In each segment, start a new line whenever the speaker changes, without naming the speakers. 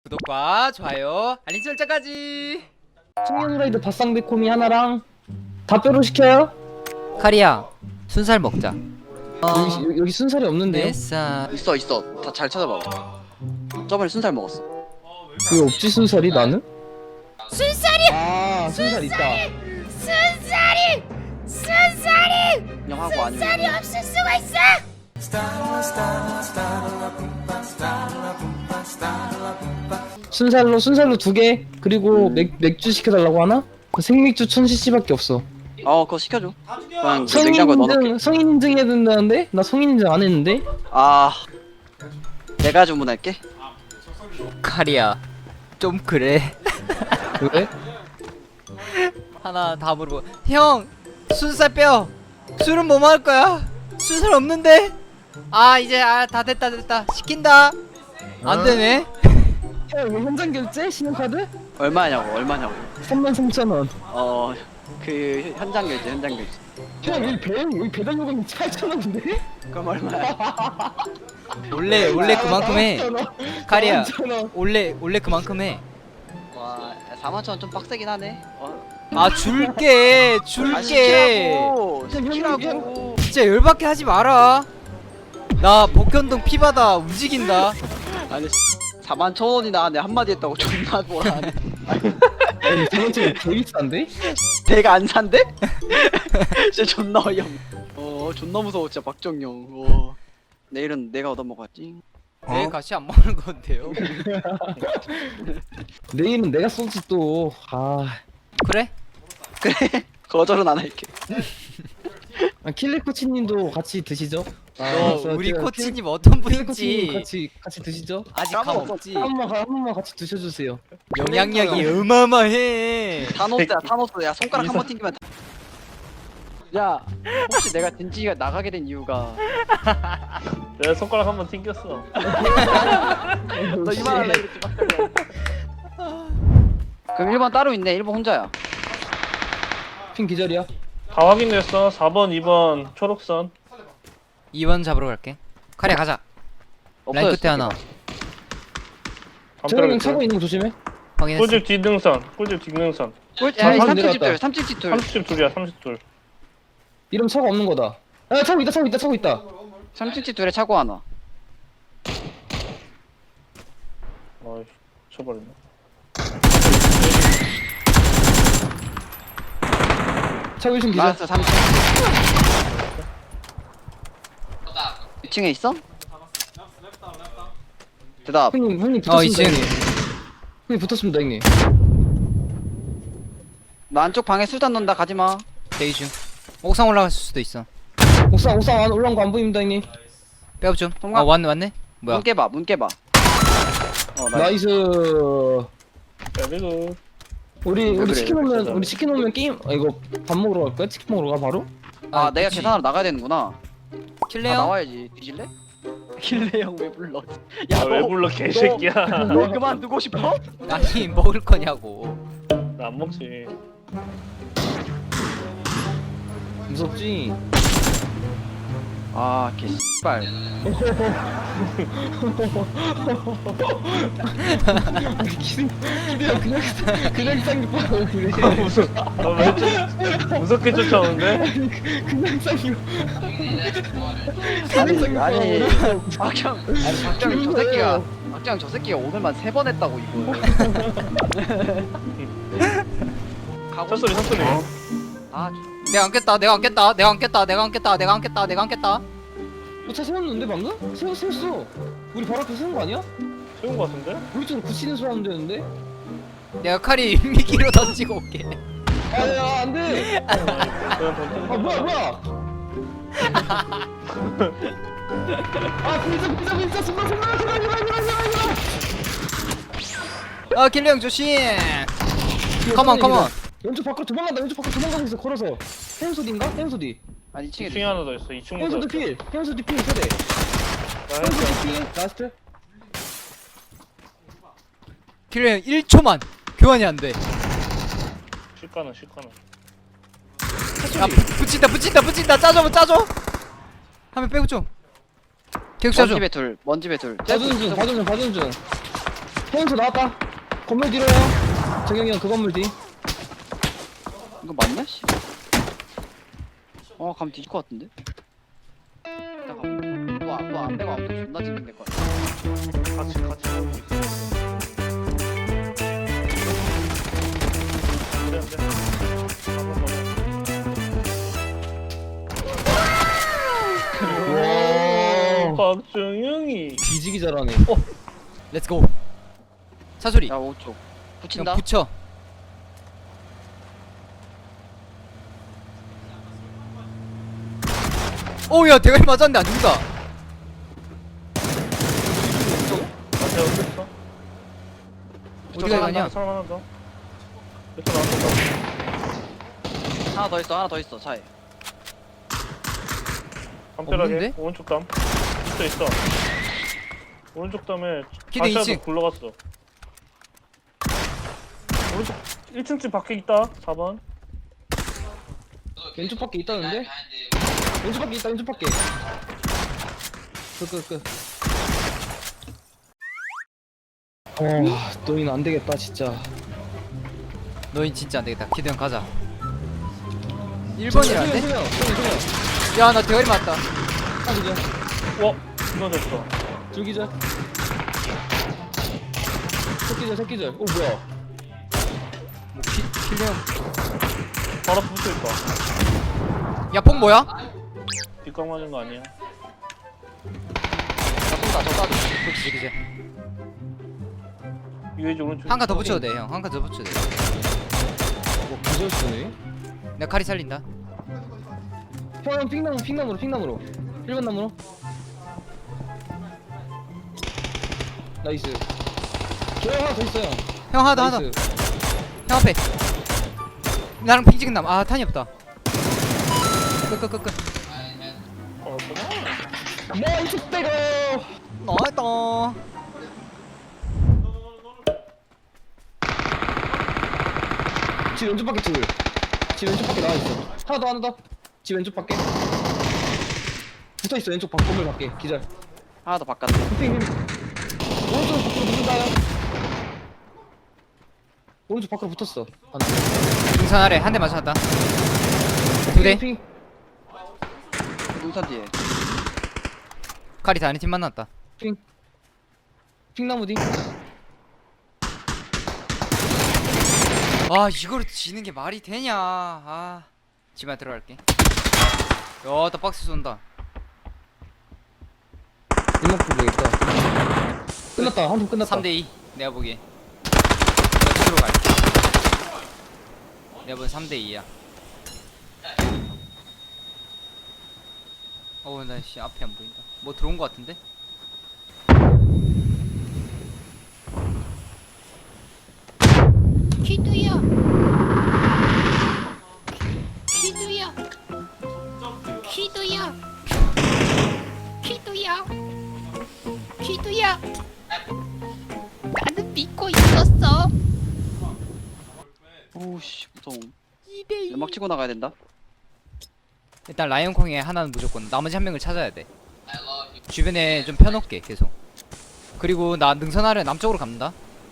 구독과 좋아요 알림 설정까지.
청년후라이드 바쌍배코미 하나랑 다 뼈로 시켜요?
카리야 순살 먹자.
여기 순살이 없는데요?
뱃살
있어 다 잘 찾아봐. 저번에 순살 먹었어.
그 없지 순살이 나는?
순살이
아 순살 있다.
순살이
그냥 하고 아니면
순살이 없을 수가 있어.
순살로 2개 그리고 맥주 시켜달라고 하나? 그 생맥주 1000cc밖에 없어.
그거 시켜줘. 그냥 그 냉장고에 넣어놓게.
성인 인증 해야 된다는데? 나 성인 인증 안 했는데?
아 내가 주문할게.
카리야 좀 그래.
왜?
하나 다 물어보. 형 순살 빼요. 술은 뭐 먹을 거야? 순살 없는데? 아 이제 다 됐다 시킨다. 안 되네.
야 이거 현장 결제? 신용카드?
얼마냐고
33,000원.
그 현장 결제.
야 여기 배달 요금이 8,000원인데?
그럼 얼마야?
원래 그만큼 해. 카리야
4,000원.
원래 그만큼 해.
와 41,000원 좀 빡세긴 하네.
아 줄게.
시키라고.
진짜 열받게 하지 마라. 나 복현동 피바다 움직인다.
아니 41,000원이나 하네. 한마디 했다고 존나 뭐라네.
아니 4,000원 개 비싼데?
내가 안 산대? 진짜 존나 어이없네. 존나 무서워 진짜 박정영. 내일은 내가 얻어먹었지.
내일 같이 안 먹는 건데요.
내일은 내가 쏘지 또.
그래?
그래 거절은 안 할게.
킬리 코치님도 같이 드시죠?
우리 코치님 어떤
킬리 코치님
분인지
같이 드시죠?
아직
까먹었어.
감 없지.
한 번만 같이 드셔주세요.
영향력이 어마어마해.
타노스야 타노스. 야 손가락 한 번 튕기면 야 혹시 내가 딘지가 나가게 된 이유가
내가 손가락 한 번 튕겼어.
너 이만할래 이렇게 막 떨려. 그럼 1번 따로 있네. 1번 혼자야.
핀 기절이야?
다 확인됐어. 4번, 2번 초록선.
2번 잡으러 갈게. 카리야 가자. 라인 끝에 하나.
저형님 차고 있는 거 조심해.
확인했어.
꿀집 뒷능선. 꿀집 뒷능선.
야, 이
아,
30집
내려왔다.
둘, 30집 둘.
32야, 32.
이러면 차가 없는 거다. 야 차고 있다.
30집 둘에 차고 하나.
어이, 쳐버렸네.
차고 1층 기절.
라스트 30. 2층에 있어? 대답.
형님 붙었습니다.
이층.
형님 붙었습니다 형님.
나 안쪽 방에 수단 넣는다. 가지마.
대기 중. 옥상 올라갔을 수도 있어.
옥상 안 올라온 거 안 보입니다 형님.
백업 좀.
통과.
왔네. 뭐야?
문 깨봐. 나이스.
나이스.
그리고
우리
그래,
치킨 오면 게임. 이거 밥 먹으러 갈까요? 치킨 먹으러 가 바로?
내가
그치.
계산하러 나가야 되는구나.
킬레요?
나와야지. 뒤질래? 킬레 형 왜 불러? 야,
왜
너,
불러 개새끼야.
너 그만두고 싶어?
아니 먹을 거냐고.
나 안 먹지.
무섭지?
개씨발.
기대야 그냥 쌍욕하고 그래.
너왜 무섭게 쫓아오는데?
그냥 쌍욕.
아니 박형 저 새끼가 오늘만 3번 했다고 이거. 가고
첫소리,
싶어.
첫소리.
내가 안 깼다.
차 세웠는데 방금? 세웠어. 우리 바로 앞에 세운 거 아니야?
세운 거 같은데?
우리 쪽으로 굳히는 소리 하면 되는데?
내가 칼이 미끼로 던지고 올게.
아야 안돼.
그냥 던져.
뭐야? 불사 숨마.
킬레 형 조심. 컴온.
왼쪽 밖으로 도망가고 있어 걸어서. 해운소디인가? 해운소디.
아니 2층에
2층에 하나 더 있어. 2층
해운소디
도
필. 해운소디 필 세대. 해운소디 필. 라스트.
킬레 형 1초만 교환이 안 돼.
실가는.
아 붙인다. 짜줘. 한명 빼고 좀. 계속 짜줘.
먼 집에 둘.
봐주는 중. 형수 나왔다. 건물 뒤로요. 정영이 형 그 건물 뒤.
이거 맞냐 씨? 가면 뒤질 것 같은데? 이따가 또안 빼고 안 빼고 존나 지면 될 것 같아.
같이 하고 있어. 안돼 안돼.
와.
박정영이.
뒤지기 잘하네.
렛츠고. 차소리.
야 5초 붙인다.
그냥 붙여. 오야 대가리 맞았는데 안 죽는다.
안돼 어땠어?
어디가 가냐?
사람 하나 더. 몇개 나왔어?
하나 더 있어 차에.
담벼락에
없는데?
오른쪽 담. 있어. 오른쪽 담에
기대
다시아도
2층.
굴러갔어. 오른쪽 1층집 밖에 있다. 4번.
왼쪽 밖에 있다는데? 왼쪽 밖에 있다. 왼쪽 밖에. 끝. 너희는 안 되겠다 진짜.
너희 진짜 안 되겠다. 기대 형 가자. 1번이라는데?
소영.
야 나 대가리 맞다.
아 그죠?
와, 이거 됐어.
줄기절. 새끼절. 오 뭐야?
뭐 킬레 형.
바로 붙어 있다.
야폭 뭐야?
뒷각 맞은 거 아니야?
나 쏜다.
그치.
유해지 오른쪽.
한 칸 더 붙여도 돼 형. 한 칸 더 붙여도 돼.
뭐 기절 쓰네?
내가 칼이 살린다.
형 핑나무로 1번 나무로. 나이스. 저 하나 더 있어요.
형 하나 더.
나이스.
형 앞에. 나랑 핑 찍은 남. 아 탄이 없다. 끝.
나이스 빼고.
나왔다.
집 왼쪽 밖에 둘. 집 왼쪽 밖에 나와 있어. 하나 더. 집 왼쪽 밖에. 붙어 있어 왼쪽 밖 건물 밖에. 기절.
하나 더 바깥에.
핑. 오른쪽 밖으로 붙는다요. 오른쪽 밖으로 붙었어.
등산 아래 한 대 맞췄다. 두 대.
핑.
눈산 뒤에.
칼이 다른 팀 만났다.
핑나무 뒤.
아 이걸 지는 게 말이 되냐. 아 집안에 들어갈게. 야나 박스 쏜다.
일목 보겠다. 끝났다. 한 번 끝났다.
3대2 내가 보기에. 내가 집으로 갈게. 내가 보기엔 3대2야. 나씨 앞에 안 보인다. 뭐 들어온 거 같은데?
기두야. 나는 믿고 있었어.
오우씨 무서워.
2대2.
연막 치고 나가야 된다.
일단 라이온콩에 하나는 무조건 나머지 한 명을 찾아야 돼. 주변에 좀 펴놓게 계속. 그리고 나 능선 아래 남쪽으로 갑니다.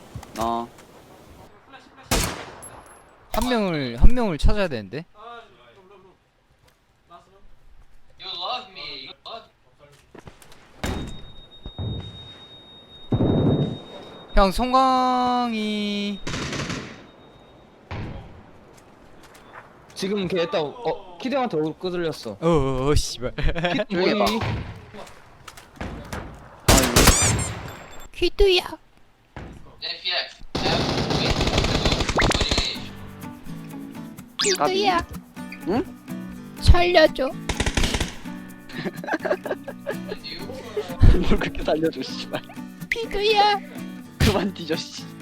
한 명을 찾아야 되는데. 형 송광이
지금 걔 했다. 키드한테 얼굴 끄들렸어.
씨발.
조용히 해봐.
기두야. 기두야.
응?
살려줘.
뭘 그렇게 살려줘 씨발.
기두야.
그만 뒤져 씨.